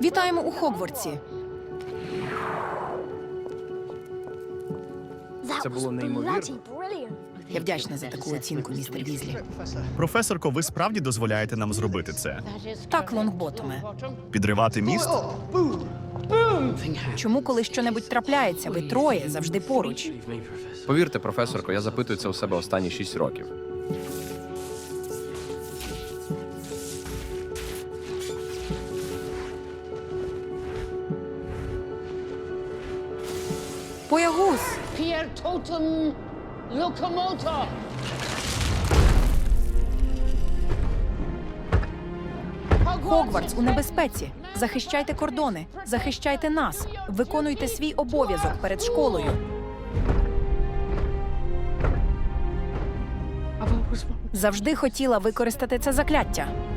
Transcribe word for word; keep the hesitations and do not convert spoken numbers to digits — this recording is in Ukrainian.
Вітаємо у Хогвартсі. Це було неймовірно. Я вдячна за таку оцінку, містер Візлі. Професорко, ви справді дозволяєте нам зробити це? Так, Лонгботоме. Підривати міст? Чому, коли щонебудь трапляється, ви троє завжди поруч? Повірте, професорко, я запитую це у себе останні шість років. Боягуз! Pier totem locomotor. Хогвартс у небезпеці. Захищайте кордони, захищайте нас. Виконуйте свій обов'язок перед школою. Завжди хотіла використати це закляття.